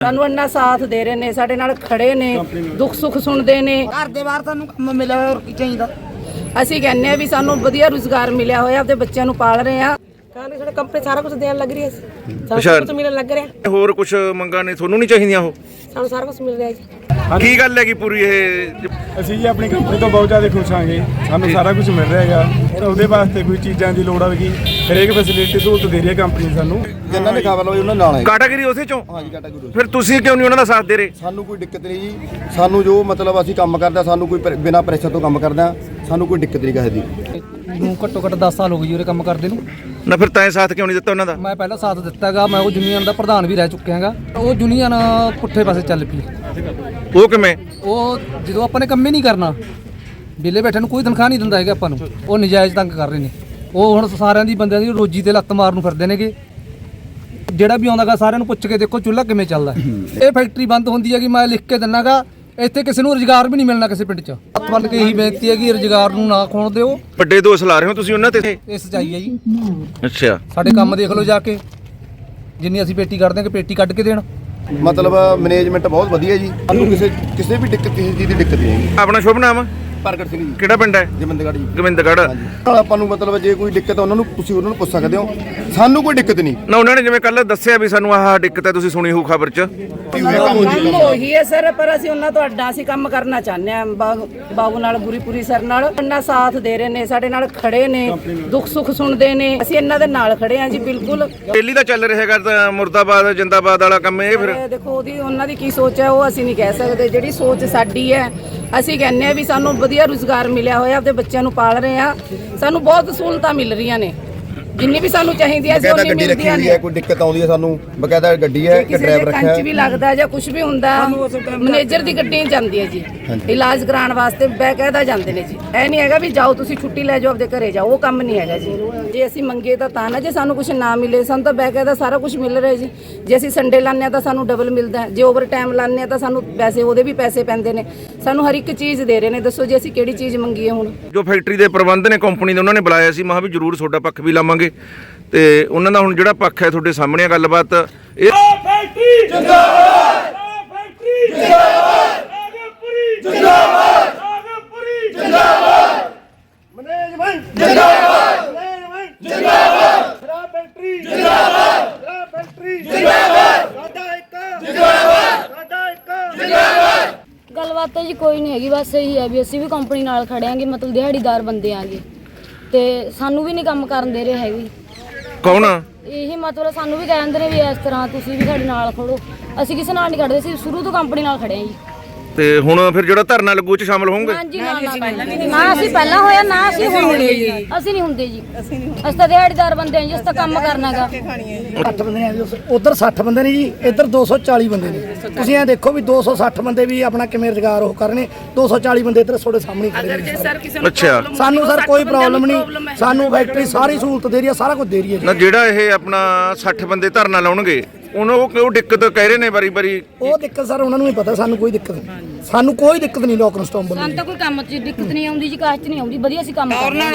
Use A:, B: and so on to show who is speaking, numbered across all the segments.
A: ਸਾਨੂੰ ਇੰਨਾ ਸਾਥ ਦੇ ਰਹੇ ਨੇ, ਸਾਡੇ ਨਾਲ ਖੜੇ ਨੇ, ਦੁੱਖ ਸੁੱਖ ਸੁਣਦੇ ਨੇ।
B: ਘਰ ਦੇ ਬਾਹਰ ਸਾਨੂੰ ਕੰਮ ਮਿਲਿਆ ਹੋਰ ਕੀ ਚਾਹੀਦਾ।
A: ਅਸੀਂ ਕਹਿੰਦੇ ਆ ਵੀ ਸਾਨੂੰ ਵਧੀਆ ਰੁਜ਼ਗਾਰ ਮਿਲਿਆ ਹੋਇਆ, ਆਪਣੇ ਬੱਚਿਆਂ ਨੂੰ ਪਾਲ ਰਹੇ ਆ।
B: ਕਹਿੰਦੇ ਸਾਡੇ ਕੰਪਨੀ ਸਾਰਾ ਕੁਝ ਦੇਣ ਲੱਗ ਰਹੀ ਹੈ, ਸਾਰਾ ਕੁਝ ਮਿਲਣ ਲੱਗ ਰਿਹਾ।
C: ਹੋਰ ਕੁਝ ਮੰਗਾਂ ਨੇ ਤੁਹਾਨੂੰ ਨਹੀਂ ਚਾਹੀਦੀਆਂ? ਉਹ
B: ਸਾਨੂੰ ਸਾਰਾ ਕੁਝ ਮਿਲ ਰਿਹਾ ਜੀ।
C: ਕੀ ਗੱਲ ਹੈਗੀ ਪੂਰੀ ਇਹ?
D: ਅਸੀਂ ਜੀ ਆਪਣੀ ਕੰਪਨੀ ਤੋਂ ਬਹੁਤ ਜ਼ਿਆਦਾ ਖੁਸ਼ ਹਾਂਗੇ, ਸਾਨੂੰ ਸਾਰਾ ਕੁਝ ਮਿਲ ਰਿਹਾ ਹੈਗਾ। ਤਾਂ ਉਹਦੇ ਵਾਸਤੇ ਕੋਈ ਚੀਜ਼ਾਂ ਦੀ ਲੋੜ ਆਵੇਗੀ, ਹਰੇਕ ਫੈਸਿਲਿਟੀ ਸਹੂਲਤ ਦੇ ਰਹੀ ਹੈ ਕੰਪਨੀ ਸਾਨੂੰ।
E: ਜਿਨ੍ਹਾਂ ਨੇ ਖਬਰ ਲਈ ਉਹਨਾਂ ਨਾਲ ਹੈ
C: ਕੈਟਾਗਰੀ ਉਸੇ ਚੋਂ?
E: ਹਾਂਜੀ ਕੈਟਾਗਰੀ।
C: ਫਿਰ ਤੁਸੀਂ ਕਿਉਂ ਨਹੀਂ ਉਹਨਾਂ ਦਾ ਸਾਥ ਦੇ ਰਹੇ?
E: ਸਾਨੂੰ ਕੋਈ ਦਿੱਕਤ ਨਹੀਂ ਜੀ, ਸਾਨੂੰ ਜੋ ਮਤਲਬ ਅਸੀਂ ਕੰਮ ਕਰਦੇ ਹਾਂ, ਸਾਨੂੰ ਕੋਈ ਬਿਨਾਂ ਪ੍ਰੈਸ਼ਰ ਤੋਂ ਕੰਮ ਕਰਦੇ ਹਾਂ, ਸਾਨੂੰ ਕੋਈ ਦਿੱਕਤ ਨਹੀਂ ਕਿਸੇ ਦੀ।
F: ਨੂੰ ਘੱਟੋ ਘੱਟ 10 ਸਾਲ ਹੋ ਗਏ ਜੀ ਉਰੇ ਕੰਮ ਕਰਦੇ ਨੂੰ।
C: ਨਾ ਫਿਰ ਤੈਂ ਸਾਥ ਕਿਉਂ ਨਹੀਂ ਦਿੱਤਾ ਉਹਨਾਂ ਦਾ?
F: ਮੈਂ ਪਹਿਲਾਂ ਸਾਥ ਦਿੱਤਾਗਾ, ਮੈਂ ਉਹ ਯੂਨੀਅਨ ਦਾ ਪ੍ਰਧਾਨ ਵੀ ਰਹਿ ਚੁੱਕਿਆ ਹੈਗਾ। ਉਹ ਯੂਨੀਅਨ ਪੁੱਠੇ ਪਾਸੇ ਚੱਲ ਪਈ।
C: ਉਹ ਕਿਵੇਂ?
F: ਉਹ ਜਦੋਂ ਆਪਾਂ ਨੇ ਕੰਮ ਹੀ ਨਹੀਂ ਕਰਨਾ, ਵਿਹਲੇ ਬੈਠੇ ਨੂੰ ਕੋਈ ਤਨਖਾਹ ਨਹੀਂ ਦਿੰਦਾ ਹੈਗਾ ਆਪਾਂ ਨੂੰ, ਉਹ ਨਜਾਇਜ਼ ਤੰਗ ਕਰ ਰਹੇ ਨੇ। ਉਹ ਹੁਣ ਸਾਰਿਆਂ ਦੀ ਬੰਦਿਆਂ ਦੀ ਰੋਜੀ ਤੇ ਲੱਤ ਮਾਰਨ ਨੂੰ ਫਿਰਦੇ ਨੇਗੇ। ਜਿਹੜਾ ਵੀ ਆਉਂਦਾਗਾ ਸਾਰਿਆਂ ਨੂੰ ਪੁੱਛ ਕੇ ਦੇਖੋ ਚੁੱਲ੍ਹਾ ਕਿਵੇਂ ਚੱਲਦਾ। ਇਹ ਫੈਕਟਰੀ ਬੰਦ ਹੁੰਦੀ ਹੈਗੀ, ਮੈਂ ਲਿਖ ਕੇ ਦਿੰਨਾਗਾ, ਇੱਥੇ ਕਿਸੇ ਨੂੰ ਰੁਜ਼ਗਾਰ ਵੀ ਨਹੀਂ ਮਿਲਣਾ ਕਿਸੇ ਪਿੰਡ 'ਚ। ਹੱਥ ਬੰਨ ਕੇ ਇਹੀ ਬੇਨਤੀ ਹੈ ਕਿ ਰੁਜ਼ਗਾਰ ਨੂੰ ਨਾ ਖੋਣ ਦਿਓ।
C: ਵੱਡੇ ਦੋਸ਼ ਲਾ ਰਹੇ ਹੋ ਤੁਸੀਂ ਉਹਨਾਂ ਤੇ?
F: ਇਹ ਸੱਚਾਈ ਹੈ ਜੀ।
C: ਅੱਛਾ,
F: ਸਾਡੇ ਕੰਮ ਦੇਖ ਲਓ ਜਾ ਕੇ, ਜਿੰਨੀ ਅਸੀਂ ਪੇਟੀ ਕੱਢਦੇ ਹਾਂ ਕਿ ਪੇਟੀ ਕੱਢ ਕੇ ਦੇਣ।
E: ਮਤਲਬ ਮੈਨੇਜਮੈਂਟ ਬਹੁਤ ਵਧੀਆ ਜੀ, ਸਾਨੂੰ ਕਿਸੇ ਵੀ ਦਿੱਕਤ, ਕਿਸੇ ਚੀਜ਼ ਦੀ ਦਿੱਕਤ ਨਹੀਂ ਹੈਗੀ।
C: ਆਪਣਾ ਸ਼ੁਭ ਨਾਮ?
E: ਪ੍ਰਗਟ ਸਿੰਘ ਜੀ।
C: ਕਿਹੜਾ ਪਿੰਡ ਹੈ?
E: ਗੋਬਿੰਦਗੜ੍ਹ ਜੀ।
C: ਗੋਬਿੰਦਗੜ੍ਹ।
E: ਨਾਲ ਆਪਾਂ ਨੂੰ ਮਤਲਬ ਜੇ ਕੋਈ ਦਿੱਕਤ ਆ ਉਹਨਾਂ ਨੂੰ ਤੁਸੀਂ ਉਹਨਾਂ ਨੂੰ ਪੁੱਛ ਸਕਦੇ ਹੋ, ਸਾਨੂੰ ਕੋਈ ਦਿੱਕਤ ਨਹੀਂ।
C: ਨਾ ਉਹਨਾਂ ਨੇ ਜਿਵੇਂ ਕੱਲ ਦੱਸਿਆ ਵੀ ਸਾਨੂੰ ਆਹ ਦਿੱਕਤ ਹੈ, ਤੁਸੀਂ ਸੁਣੀ ਹੋਊ ਖਬਰ 'ਚ।
A: ਕੰਮ ਉਹੀ ਹੈ ਸਰ, ਪਰ ਅਸੀਂ ਉਹਨਾਂ ਤੋਂ ਅੱਡਾ ਅਸੀਂ ਕੰਮ ਕਰਨਾ ਚਾਹੁੰਦੇ ਆ। ਬਾਬੂ ਨਾਲ, ਗੁਰੀਪੁਰੀ ਸਰ ਨਾਲ ਇੰਨਾ ਸਾਥ ਦੇ ਰਹੇ ਨੇ, ਸਾਡੇ ਨਾਲ ਖੜੇ ਨੇ, ਦੁੱਖ ਸੁੱਖ ਸੁਣਦੇ ਨੇ। ਅਸੀਂ ਇਹਨਾਂ ਦੇ ਨਾਲ ਖੜੇ ਆ ਜੀ, ਬਿਲਕੁਲ।
C: ਦਿੱਲੀ ਦਾ ਚੱਲ ਰਿਹਾ ਹੈਗਾ ਤਾਂ ਮੁਰਦਾਬਾਦ ਜਿੰਦਾਬਾਦ ਵਾਲਾ ਕੰਮ ਇਹ ਫਿਰ
A: ਦੇਖੋ ਉਹਦੀ ਉਹਨਾਂ ਦੀ ਕੀ ਸੋਚ ਹੈ, ਉਹ ਅਸੀਂ ਨਹੀਂ ਕਹਿ ਸਕਦੇ। ਜਿਹੜੀ ਸੋਚ ਸਾਡੀ ਹੈ, ਅਸੀਂ ਕਹਿੰਦੇ ਆ ਵੀ ਸਾਨੂੰ ਵਧੀਆ ਰੁਜ਼ਗਾਰ ਮਿਲਿਆ ਹੋਇਆ, ਆਪਣੇ ਬੱਚਿਆਂ ਨੂੰ ਪਾਲ ਰਹੇ ਆ। ਸਾਨੂੰ ਬਹੁਤ ਸਹੂਲਤਾਂ ਮਿਲ ਰਹੀਆਂ ਨੇ, ਜਿੰਨੀ ਵੀ ਸਾਨੂੰ ਚਾਹੀਦੀ ਹੈ
E: ਬਕਾਇਦਾ ਗੱਡੀ ਰੱਖੀ ਹੋਈ ਹੈ, ਕੋਈ ਦਿੱਕਤ ਆਉਂਦੀ ਹੈ ਸਾਨੂੰ ਬਕਾਇਦਾ ਗੱਡੀ ਹੈ, ਇੱਕ ਡਰਾਈਵਰ ਰੱਖਿਆ ਹੈ।
A: ਕੰਚ ਵੀ ਲੱਗਦਾ ਜਾਂ ਕੁਝ ਵੀ ਹੁੰਦਾ, ਮੈਨੇਜਰ ਦੀ ਗੱਡੀ ਜਾਂਦੀ ਹੈ ਜੀ, ਇਲਾਜ ਕਰਾਉਣ ਵਾਸਤੇ ਬਕਾਇਦਾ ਜਾਂਦੇ ਨੇ ਜੀ। ਇਹ ਨਹੀਂ ਹੈਗਾ ਵੀ ਜਾਓ ਤੁਸੀਂ ਛੁੱਟੀ ਲੈ ਜਾਓ ਆਪਦੇ ਘਰੇ ਜਾਓ, ਉਹ ਕੰਮ ਨਹੀਂ ਹੈਗਾ ਜੀ। ਜੇ ਅਸੀਂ ਮੰਗੇ ਤਾਂ ਨਾ, ਜੇ ਸਾਨੂੰ ਕੁਝ ਨਾ ਮਿਲੇ, ਸਾਨੂੰ ਤਾਂ ਬਕਾਇਦਾ ਸਾਰਾ ਕੁਝ ਮਿਲ ਰਿਹਾ ਜੀ। ਜੇ ਅਸੀਂ ਸੰਡੇ ਲਾਉਂਦੇ ਹਾਂ ਤਾਂ ਸਾਨੂੰ ਡਬਲ ਮਿਲਦਾ, ਜੇ ਓਵਰ ਟਾਈਮ ਲਾਉਂਦੇ ਹਾਂ ਤਾਂ ਸਾਨੂੰ ਪੈਸੇ, ਉਹਦੇ ਵੀ ਪੈਸੇ ਪੈਂਦੇ ਨੇ। ਸਾਨੂੰ ਹਰ ਇੱਕ ਚੀਜ਼ ਦੇ ਰਹੇ ਨੇ, ਦੱਸੋ ਜੀ ਅਸੀਂ ਕਿਹੜੀ ਚੀਜ਼ ਮੰਗੀਏ ਹੁਣ?
C: ਜੋ ਫੈਕਟਰੀ ਦੇ ਪ੍ਰਬੰਧ ਨੇ ਕੰਪਨੀ ਦੇ, ਉਹਨਾਂ ਨੇ ਬੁਲਾਇਆ ਸੀ, ਮੈਂ ਕਿਹਾ ਵੀ ਜ਼ਰੂਰ ਤੁਹਾਡਾ ਪੱਖ ਵੀ ਲਾਵਾਂਗੇ। ਤੇ ਉਹਨਾਂ ਦਾ ਹੁਣ ਜਿਹੜਾ ਪੱਖ ਹੈ ਤੁਹਾਡੇ ਸਾਹਮਣੇ ਗੱਲਬਾਤ। ਇਹ
G: ਫੈਕਟਰੀ ਜਿੰਦਾਬਾਦ, ਫੈਕਟਰੀ ਜਿੰਦਾਬਾਦ, ਨਾਗਪੁਰੀ ਜਿੰਦਾਬਾਦ, ਨਾਗਪੁਰੀ ਜਿੰਦਾਬਾਦ, ਮੈਨੇਜਮੈਂਟ ਜਿੰਦਾਬਾਦ, ਮੈਨੇਜਮੈਂਟ ਜਿੰਦਾਬਾਦ, ਸ਼ਰਾਬ ਫੈਕਟਰੀ ਜਿੰਦਾਬਾਦ, ਸ਼ਰਾਬ ਫੈਕਟਰੀ ਜਿੰਦਾਬਾਦ, ਸਾਡਾ ਇੱਕ ਜਿੰਦਾਬਾਦ, ਸਾਡਾ ਇੱਕ ਜਿੰਦਾਬਾਦ।
H: ਗੱਲਬਾਤ ਤਾਂ ਜੀ ਕੋਈ ਨਹੀਂ ਹੈਗੀ, ਬਸ ਇਹੀ ਹੈ ਵੀ ਅਸੀਂ ਵੀ ਕੰਪਨੀ ਨਾਲ ਖੜੇ ਆਂਗੇ, ਮਤਲਬ ਦਿਹਾੜੀਦਾਰ ਬੰਦੇ ਆਂਗੇ ਤੇ ਸਾਨੂੰ ਵੀ ਨਹੀਂ ਕੰਮ ਕਰਨ ਦੇ ਰਹੇ ਹੈਗੇ।
C: ਕੌਣ?
H: ਇਹੀ ਮਤਲਬ ਸਾਨੂੰ ਵੀ ਕਹਿੰਦੇ ਨੇ ਵੀ ਇਸ ਤਰ੍ਹਾਂ ਤੁਸੀਂ ਵੀ ਸਾਡੇ ਨਾਲ ਖੜੋ। ਅਸੀਂ ਕਿਸੇ ਨਾਲ ਨਹੀਂ ਖੜਦੇ ਸੀ, ਸ਼ੁਰੂ ਤੋਂ ਕੰਪਨੀ ਨਾਲ ਖੜੇ ਆਂ ਜੀ।
C: ਤੇ ਹੁਣ ਫਿਰ ਜਿਹੜਾ ਧਰਨਾ ਲੱਗੂ ਚ ਸ਼ਾਮਲ ਹੋਵੋਗੇ?
H: ਹਾਂਜੀ, ਨਾ ਅਸੀਂ ਪਹਿਲਾਂ ਹੋਇਆ, ਨਾ ਅਸੀਂ ਹੁਣ ਹੋਏ ਜੀ। ਅਸੀਂ ਨਹੀਂ ਹੁੰਦੇ ਜੀ, ਅਸੀਂ ਤਾਂ ਦਿਹਾੜੀਦਾਰ ਬੰਦੇ ਆਂ ਜੀ, ਅਸੀਂ ਤਾਂ ਕੰਮ ਕਰਨਾਗਾ।
B: 60 ਬੰਦੇ ਨੇ, ਉਧਰ 60 ਬੰਦੇ ਨੇ ਜੀ, ਇੱਧਰ 240 ਬੰਦੇ ਨੇ। ਤੁਸੀਂ ਇਹ ਦੇਖੋ ਵੀ 260 ਬੰਦੇ ਵੀ ਆਪਣਾ ਕਿਵੇਂ ਰੁਜ਼ਗਾਰ ਉਹ ਕਰਨੇ, 240 ਬੰਦੇ ਇੱਧਰ ਤੁਹਾਡੇ ਸਾਹਮਣੇ ਖੜੇ ਨੇ।
C: ਅੱਛਾ,
B: ਸਾਨੂੰ ਸਰ ਕੋਈ ਪ੍ਰੋਬਲਮ ਨਹੀਂ, ਸਾਨੂੰ ਫੈਕਟਰੀ ਸਾਰੀ ਸਹੂਲਤ ਦੇ ਰਹੀ ਹੈ, ਸਾਰਾ ਕੁਝ ਦੇ ਰਹੀ ਹੈ
C: ਨਾ ਜਿਹੜਾ ਇਹ ਆਪਣਾ 60 ਬੰਦੇ ਧਰਨਾ ਲਾਉਣਗੇ, ਉਹ ਦਿੱਕਤ ਕਹਿ ਰਹੇ ਨੇ ਵਾਰੀ-ਵਾਰੀ।
B: ਉਹ ਦਿੱਕਤ ਸਰ ਉਹਨਾਂ ਨੂੰ ਹੀ ਪਤਾ, ਸਾਨੂੰ ਕੋਈ ਦਿੱਕਤ ਨਹੀਂ। ਸਾਨੂੰ ਕੋਈ ਦਿੱਕਤ ਨਹੀਂ ਲੋਕ ਇਨਸਟਾਲ
H: ਸਾਨੂੰ ਤਾਂ ਕੋਈ ਕੰਮ 'ਚ ਦਿੱਕਤ ਨਹੀਂ ਆਉਂਦੀ ਜੀ, ਕਾਸ਼ 'ਚ ਨਹੀਂ ਆਉਂਦੀ, ਵਧੀਆ ਅਸੀਂ ਕੰਮ ਕਰਦੇ ਹਾਂ।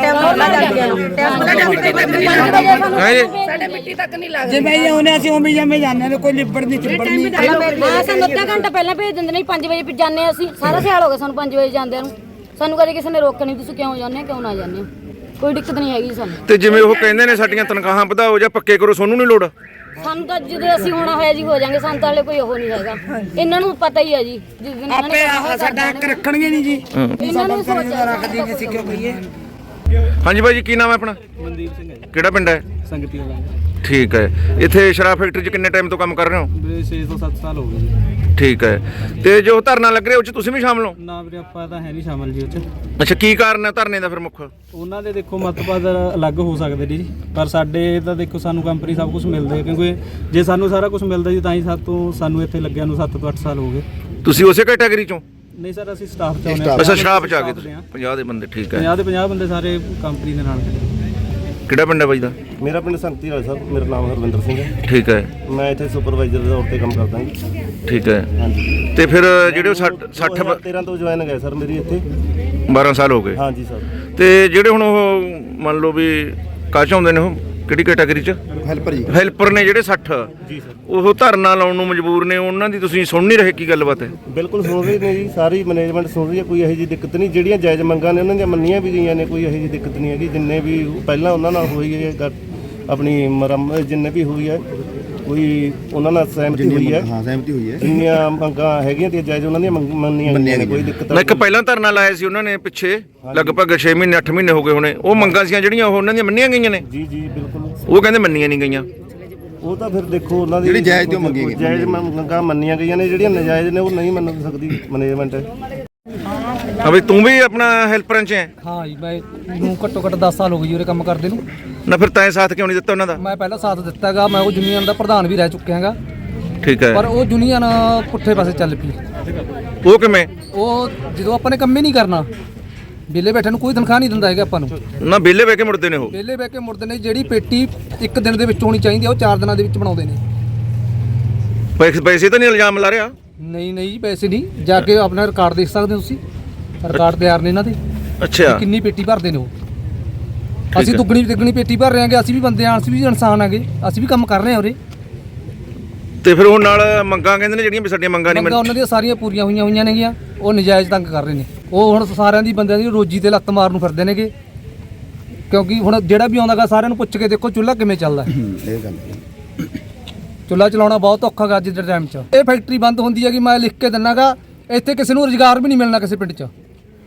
A: ਸਾਡੇ ਮਿੱਟੀ ਤੱਕ ਨਹੀਂ ਲੱਗਦੀ।
B: ਜਿਵੇਂ ਆਉਨੇ ਅਸੀਂ ਉਵੇਂ ਜਿਵੇਂ ਜਾਂਦੇ ਨੇ, ਕੋਈ ਲਿਬੜ ਨਹੀਂ ਚਿਬੜ ਨਹੀਂ।
H: ਹਾਂ, ਸਾਨੂੰ ਅੱਧਾ ਘੰਟਾ ਪਹਿਲਾਂ ਭੇਜ ਦਿੰਦੇ ਨੇ, 5 ਵਜੇ ਜਾਂਦੇ ਹਾਂ ਅਸੀਂ। ਸਾਰਾ ਸਿਆਲ ਹੋ ਗਿਆ ਸਾਨੂੰ 5 ਵਜੇ ਜਾਂਦਿਆਂ ਨੂੰ। ਸਾਨੂੰ ਕਦੇ ਕਿਸੇ ਨੇ ਰੋਕਿਆ ਨਹੀਂ, ਤੁਸੀਂ ਕਿਉਂ ਜਾਂਦੇ ਹੋ, ਕਿਉਂ ਨਾ ਜਾਂਦੇ ਹੋ, ਕੋਈ ਦਿੱਕਤ ਨਹੀਂ ਹੈਗੀ ਸਾਨੂੰ।
C: ਤੇ ਜਿਵੇਂ ਉਹ ਕਹਿੰਦੇ ਨੇ ਸਾਡੀਆਂ ਤਨਖਾਹਾਂ ਵਧਾਓ ਜਾਂ ਪੱਕੇ ਕਰੋ, ਤੁਹਾਨੂੰ ਨਹੀਂ ਲੋੜ?
H: ਸਾਨੂੰ ਤਾਂ ਜਦੋਂ ਅਸੀਂ ਹੋਣਾ ਹੋਇਆ ਜੀ ਹੋ ਜਾਾਂਗੇ, ਸਾਨੂੰ ਤਾਂ ਹਲੇ ਕੋਈ ਉਹ ਨਹੀਂ ਹੈਗਾ। ਇਹਨਾਂ ਨੂੰ ਪਤਾ ਹੀ ਹੈ ਜੀ, ਜਿਸ ਦਿਨ
B: ਆਪੇ ਸਾਡਾ ਹੱਕ ਰੱਖਣਗੇ ਨਹੀਂ ਜੀ,
H: ਇਹਨਾਂ ਨੂੰ ਸੋਚ
B: ਰੱਖਦੀ ਨਹੀਂ ਅਸੀਂ ਕਿਉਂ ਕਹੀਏ।
C: ਹਾਂਜੀ ਭਾਈ ਜੀ, ਕੀ ਨਾਮ ਹੈ ਆਪਣਾ?
F: ਮਨਦੀਪ ਸਿੰਘ ਹੈ।
C: ਕਿਹੜਾ ਪਿੰਡ ਹੈ?
F: ਸੰਗਤੀ ਵਾਲਾ।
C: ਠੀਕ ਹੈ। ਇੱਥੇ ਸ਼ਰਾਬ ਫੈਕਟਰੀ 'ਚ ਕਿੰਨੇ ਟਾਈਮ ਤੋਂ ਕੰਮ ਕਰ ਰਹੇ ਹੋ?
F: ਵੀਰੇ 6 ਤੋਂ 7 ਸਾਲ ਹੋ ਗਏ ਜੀ।
C: ਠੀਕ ਹੈ। ਤੇ ਜੋ ਧਰਨਾ ਲੱਗ ਰਿਹਾ ਉਹ 'ਚ ਤੁਸੀਂ ਵੀ ਸ਼ਾਮਲ ਹੋ?
F: ਨਾ ਵੀਰੇ ਆਪਾਂ ਤਾਂ ਹੈ ਨਹੀਂ ਸ਼ਾਮਲ ਜੀ ਉਹ 'ਚ।
C: ਅੱਛਾ, ਕੀ ਕਾਰਨ ਹੈ ਧਰਨੇ ਦਾ ਫਿਰ ਮੁੱਖ?
F: ਉਹਨਾਂ ਦੇ ਦੇਖੋ ਮਤਲਬ ਅਲੱਗ ਹੋ ਸਕਦੇ ਜੀ, ਪਰ ਸਾਡੇ ਤਾਂ ਦੇਖੋ ਸਾਨੂੰ ਕੰਪਨੀ ਸਭ ਕੁਝ ਮਿਲਦਾ ਹੈ, ਕਿਉਂਕਿ ਜੇ ਸਾਨੂੰ ਸਾਰਾ ਕੁਝ ਮਿਲਦਾ ਜੀ ਤਾਂ ਹੀ ਸਾਨੂੰ ਇੱਥੇ ਲੱਗਿਆ ਨੂੰ 7 ਤੋਂ 8 ਸਾਲ ਹੋ ਗਏ।
C: ਤੁਸੀਂ ਉਸੇ ਕੈਟਾਗਰੀ 'ਚੋਂ?
F: ਨਹੀਂ ਸਰ, ਅਸੀਂ ਸਟਾਫ 'ਚ ਆਉਂਦੇ ਹਾਂ।
C: ਅੱਛਾ, ਸ਼ਰਾਬ 'ਚ ਆ ਗਏ ਤੁਸੀਂ। 50 ਦੇ ਬੰਦੇ, ਠੀਕ ਹੈ।
F: 50 ਦੇ 50 ਬੰਦੇ ਸਾਰੇ ਕੰਪਨੀ ਦੇ ਨਾਲ ਖੜੇ।
C: ਕਿਹੜਾ ਪਿੰਡ ਹੈ ਬਾਈ ਦਾ?
I: ਮੇਰਾ ਪਿੰਡ ਸੰਗਤੀ ਵਾਲਾ ਸਾਹਿਬ, ਮੇਰਾ ਨਾਮ ਹਰਵਿੰਦਰ ਸਿੰਘ ਹੈ।
C: ਠੀਕ ਹੈ।
I: ਮੈਂ ਇੱਥੇ ਸੁਪਰਵਾਈਜ਼ਰ ਦੇ ਤੌਰ ਤੇ ਕੰਮ ਕਰਦਾ ਜੀ।
C: ਠੀਕ ਹੈ।
I: ਹਾਂਜੀ।
C: ਤੇ ਫਿਰ ਜਿਹੜੇ 60
I: 13 ਤੋਂ ਜੁਆਇਨ ਗਏ ਸਰ ਮੇਰੀ ਇੱਥੇ।
C: 12 ਸਾਲ ਹੋ ਗਏ।
I: ਹਾਂਜੀ ਸਰ।
C: ਤੇ ਜਿਹੜੇ ਹੁਣ ਉਹ ਮੰਨ ਲਓ ਵੀ ਕਾਹ 'ਚ ਆਉਂਦੇ ਨੇ, ਉਹ ਕਿਹੜੀ ਕੈਟਾਗਰੀ ਚ?
E: ਹੈਲਪਰ ਜੀ।
C: ਹੈਲਪਰ ਨੇ ਜਿਹੜੇ 60
I: ਜੀ ਸਰ
C: ਉਹ ਧਰਨਾ ਲਾਉਣ ਨੂੰ ਮਜਬੂਰ ਨੇ, ਉਹਨਾਂ ਦੀ ਤੁਸੀਂ ਸੁਣ ਨਹੀਂ ਰਹੇ, ਕੀ ਗੱਲਬਾਤ ਹੈ?
I: ਬਿਲਕੁਲ ਸੁਣ ਰਹੇ ਨੇ ਜੀ, ਸਾਰੀ ਮੈਨੇਜਮੈਂਟ ਸੁਣ ਰਹੀ ਹੈ, ਕੋਈ ਇਹੋ ਜਿਹੀ ਦਿੱਕਤ ਨਹੀਂ। ਜਿਹੜੀਆਂ ਜਾਇਜ਼ ਮੰਗਾਂ ਨੇ ਉਹਨਾਂ ਦੀਆਂ ਮੰਨੀਆਂ ਵੀ ਗਈਆਂ ਨੇ, ਕੋਈ ਇਹੋ ਜਿਹੀ ਦਿੱਕਤ ਨਹੀਂ ਹੈਗੀ। ਜਿੰਨੇ ਵੀ ਪਹਿਲਾਂ ਉਹਨਾਂ ਨਾਲ ਹੋਈ ਹੈ ਆਪਣੀ ਮੁਰੰਮਤ ਜਿੰਨੇ ਵੀ ਹੋਈ ਹੈ, ਕੋਈ ਉਹਨਾਂ ਨਾਲ ਸਹਿਮਤੀ ਹੋਈ ਹੈ।
E: ਹਾਂ ਸਹਿਮਤੀ ਹੋਈ ਹੈ।
I: ਜਿੰਨੀਆਂ ਮੰਗਾਂ ਹੈਗੀਆਂ ਤੇ ਜਾਇਜ਼ ਉਹਨਾਂ ਦੀਆਂ ਮੰਨੀਆਂ ਗਈਆਂ ਨੇ, ਕੋਈ ਦਿੱਕਤ
C: ਮੈਂ ਇੱਕ ਪਹਿਲਾਂ ਧਰਨਾ ਲਾਇਆ ਸੀ ਉਹਨਾਂ ਨੇ ਪਿੱਛੇ, ਲਗਭਗ 6 ਮਹੀਨੇ 8 ਮਹੀਨੇ ਹੋ ਗਏ ਹੋਣੇ। ਉਹ ਮੰਗਾਂ ਸੀਆਂ ਜਿਹੜੀਆਂ ਉਹ ਉਹਨਾਂ ਦੀਆਂ ਮੰਨੀਆਂ ਗਈਆਂ ਨੇ?
I: ਜੀ ਜੀ ਬਿਲਕੁਲ।
C: ਉਹ ਕਹਿੰਦੇ ਮੰਨੀਆਂ ਨਹੀਂ ਗਈਆਂ।
I: ਉਹ ਤਾਂ ਫਿਰ ਦੇਖੋ ਉਹਨਾਂ ਦੀ
E: ਜਿਹੜੀ ਜਾਇਜ਼ ਤੇ ਉਹ ਮੰਗੀਆਂ ਗਈਆਂ।
I: ਜਾਇਜ਼ ਮੰਗਾਂ ਮੰਨੀਆਂ ਗਈਆਂ ਨੇ, ਜਿਹੜੀਆਂ ਨਜਾਇਜ਼ ਨੇ ਉਹ ਨਹੀਂ ਮੰਨ ਸਕਦੀ ਮੈਨੇਜਮੈਂਟ।
C: ਹਾਂ ਬਈ ਤੂੰ ਵੀ ਆਪਣਾ ਹੈਲਪਰਾਂ 'ਚ ਹੈ?
F: ਹਾਂ ਜੀ, ਮੈਂ ਨੂੰ ਘੱਟੋ ਘੱਟ 10 ਸਾਲ ਹੋ ਗਏ ਜੀ ਉਰੇ ਕੰਮ ਕਰਦੇ ਨੂੰ।
C: ਨਾ ਫਿਰ ਤੈਂ ਸਾਥ ਕਿਉਂ ਨਹੀਂ ਦਿੱਤਾ ਉਹਨਾਂ ਦਾ?
F: ਮੈਂ ਪਹਿਲਾਂ ਸਾਥ ਦਿੱਤਾਗਾ, ਮੈਂ ਉਹ ਯੂਨੀਅਨ ਦਾ ਪ੍ਰਧਾਨ ਵੀ ਰਹਿ ਚੁੱਕਿਆ ਹੈਗਾ,
C: ਠੀਕ ਹੈ।
F: ਪਰ ਉਹ ਯੂਨੀਅਨ ਪੁੱਠੇ ਪਾਸੇ ਚੱਲ ਪਈ।
C: ਉਹ ਕਿਵੇਂ?
F: ਉਹ ਜਦੋਂ ਆਪਾਂ ਨੇ ਕੰਮ ਹੀ ਨਹੀਂ ਕਰਨਾ, ਵਿਹਲੇ ਬੈਠੇ ਨੂੰ ਕੋਈ ਤਨਖਾਹ ਨਹੀਂ ਦਿੰਦਾ ਹੈਗਾ ਆਪਾਂ ਨੂੰ।
C: ਨਾ ਵਿਹਲੇ ਬਹਿ ਕੇ ਮੁੜਦੇ ਨੇ ਉਹ?
F: ਵਿਹਲੇ ਬਹਿ ਕੇ ਮੁੜਦੇ ਨੇ। ਜਿਹੜੀ ਪੇਟੀ ਇੱਕ ਦਿਨ ਦੇ ਵਿੱਚ ਹੋਣੀ ਚਾਹੀਦੀ ਆ ਉਹ 4 ਦਿਨਾਂ ਦੇ ਵਿੱਚ ਬਣਾਉਂਦੇ ਨੇ।
C: ਪੈਸੇ ਤਾਂ ਨਹੀਂ ਇਲਜ਼ਾਮ ਲਾ ਰਿਹਾ?
F: ਨਹੀਂ ਨਹੀਂ ਜੀ, ਪੈਸੇ ਨਹੀਂ। ਜਾ ਕੇ ਆਪਣਾ ਰਿਕਾਰਡ ਦੇਖ ਸਕਦੇ ਹੋ ਤੁਸੀਂ, ਰਿਕਾਰਡ ਤਿਆਰ ਨੇ ਇਹਨਾਂ ਦੇ,
C: ਅੱਛਾ।
F: ਕਿੰਨੀ ਪੇਟੀ ਭਰਦੇ ਨੇ ਉਹ। ਅਸੀਂ ਦੁੱਗਣੀ ਤਿੱਗਣੀ ਪੇਟੀ ਭਰ ਰਹੇ ਹਾਂਗੇ, ਅਸੀਂ ਵੀ ਬੰਦੇ ਆਂ, ਅਸੀਂ ਵੀ ਇਨਸਾਨ ਆਂਗੇ, ਅਸੀਂ ਵੀ ਕੰਮ ਕਰ ਰਹੇ ਹਾਂ ਉਰੇ।
C: ਤੇ ਫਿਰ ਉਹ ਨਾਲ ਮੰਗਾਂ ਕਹਿੰਦੇ ਨੇ ਜਿਹੜੀਆਂ ਵੀ ਸਾਡੀਆਂ ਮੰਗਾਂ ਨਹੀਂ
F: ਮੰਗਾਂ ਉਹਨਾਂ ਦੀਆਂ ਸਾਰੀਆਂ ਪੂਰੀਆਂ ਹੋਈਆਂ ਨੇਗੀਆਂ, ਉਹ ਨਜਾਇਜ਼ ਤੰਗ ਕਰ ਰਹੇ ਨੇ। ਉਹ ਹੁਣ ਸਾਰਿਆਂ ਦੀ ਬੰਦਿਆਂ ਦੀ ਰੋਜੀ ਤੇ ਲੱਤ ਮਾਰਨ ਨੂੰ ਫਿਰਦੇ ਨੇਗੇ, ਕਿਉਂਕਿ ਹੁਣ ਜਿਹੜਾ ਵੀ ਆਉਂਦਾਗਾ ਸਾਰਿਆਂ ਨੂੰ ਪੁੱਛ ਕੇ ਦੇਖੋ ਚੁੱਲ੍ਹਾ ਕਿਵੇਂ ਚੱਲਦਾ।
E: ਇਹ ਗੱਲ ਹੈ।
F: ਚੁੱਲ੍ਹਾ ਚਲਾਉਣਾ ਬਹੁਤ ਔਖਾ ਗਾ ਅੱਜ ਦੇ ਟਾਈਮ 'ਚ। ਇਹ ਫੈਕਟਰੀ ਬੰਦ ਹੁੰਦੀ ਹੈਗੀ, ਮੈਂ ਲਿਖ ਕੇ ਦਿੰਨਾਗਾ, ਇੱਥੇ ਕਿਸੇ ਨੂੰ ਰੁਜ਼ਗਾਰ ਵੀ ਨਹੀਂ ਮਿਲਣਾ ਕਿਸੇ ਪਿੰਡ 'ਚ।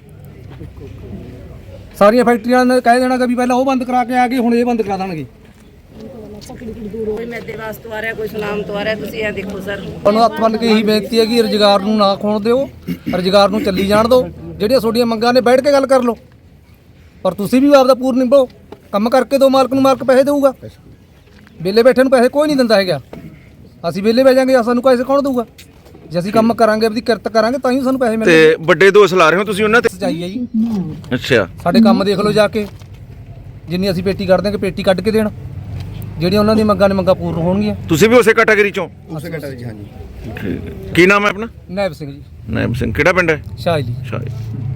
F: ਸਾਰੀਆਂ ਫੈਕਟਰੀਆਂ ਨੇ ਕਹਿ ਦੇਣਾ ਕਿ ਵੀ ਪਹਿਲਾਂ ਉਹ ਬੰਦ ਕਰਾ ਕੇ ਆ ਗਏ, ਹੁਣ ਇਹ ਬੰਦ ਕਰਾ ਦੇਣਗੇ।
A: ਕੋਈ ਮੈਦੇ ਵਾਸਤੇ ਆ ਰਿਹਾ, ਕੋਈ ਸਲਾਮ ਤੋਂ ਆ ਰਿਹਾ, ਤੁਸੀਂ ਇਹ ਦੇਖੋ ਸਰ।
F: ਤੁਹਾਨੂੰ ਹੱਥ ਬੰਨ੍ਹ ਕੇ ਇਹੀ ਬੇਨਤੀ ਹੈ ਕਿ ਰੁਜ਼ਗਾਰ ਨੂੰ ਨਾ ਖੋਣ ਦਿਓ, ਰੁਜ਼ਗਾਰ ਨੂੰ ਚੱਲੀ ਜਾਣ ਦਿਓ। ਜਿਹੜੀਆਂ ਤੁਹਾਡੀਆਂ ਮੰਗਾਂ ਨੇ ਬੈਠ ਕੇ ਗੱਲ ਕਰ ਲਓ, ਪਰ ਤੁਸੀਂ ਵੀ ਆਪਦਾ ਪੂਰ ਨਿਭਾਓ। ਕੰਮ ਕਰਕੇ ਦਿਓ, ਮਾਲਕ ਨੂੰ ਮਾਲਕ ਪੈਸੇ ਦੇਊਗਾ। ਵਿਹਲੇ ਬੈਠੇ ਨੂੰ ਪੈਸੇ ਕੋਈ ਨਹੀਂ ਦਿੰਦਾ ਹੈਗਾ। ਅਸੀਂ ਵਿਹਲੇ ਬਹਿ ਜਾਾਂਗੇ, ਸਾਨੂੰ ਪੈਸੇ ਕੌਣ ਦੇਊਗਾ? ਜੇ ਅਸੀਂ ਕੰਮ ਕਰਾਂਗੇ, ਆਪਣੀ ਕਿਰਤ ਕਰਾਂਗੇ, ਤਾਂ ਹੀ ਸਾਨੂੰ ਪੈਸੇ ਮਿਲਣਗੇ।
C: ਤੇ ਵੱਡੇ ਦੋਸ਼ ਲਾ ਰਹੇ ਹੋ ਤੁਸੀਂ ਉਹਨਾਂ ਤੇ?
F: ਸੱਚਾਈ ਹੈ ਜੀ।
C: ਅੱਛਾ।
F: ਸਾਡੇ ਕੰਮ ਦੇਖ ਲਓ ਜਾ ਕੇ, ਜਿੰਨੀ ਅਸੀਂ ਪੇਟੀ ਕੱਢ ਦਾਂਗੇ, ਪੇਟੀ ਕੱਢ ਕੇ ਦੇਣ। ਜਿਹੜੀਆਂ ਉਹਨਾਂ ਦੀ ਮੰਗਾਂ ਨੇ ਮੰਗਾਂ ਪੂਰਨ ਹੋਣਗੀਆਂ।
C: ਤੁਸੀਂ ਵੀ ਉਸੇ ਕੈਟਾਗਰੀ ਚੋਂ?
E: ਉਸੇ ਘਟਾ ਜੀ। ਹਾਂਜੀ।
C: ਠੀਕ ਹੈ। ਕੀ ਨਾਮ ਹੈ ਆਪਣਾ?
F: ਨਾਇਬ ਸਿੰਘ ਜੀ।
C: ਨਾਇਬ ਸਿੰਘ। ਕਿਹੜਾ ਪਿੰਡ ਹੈ?
F: ਸ਼ਾਹਲੀ।
C: ਸ਼ਾਹੀ।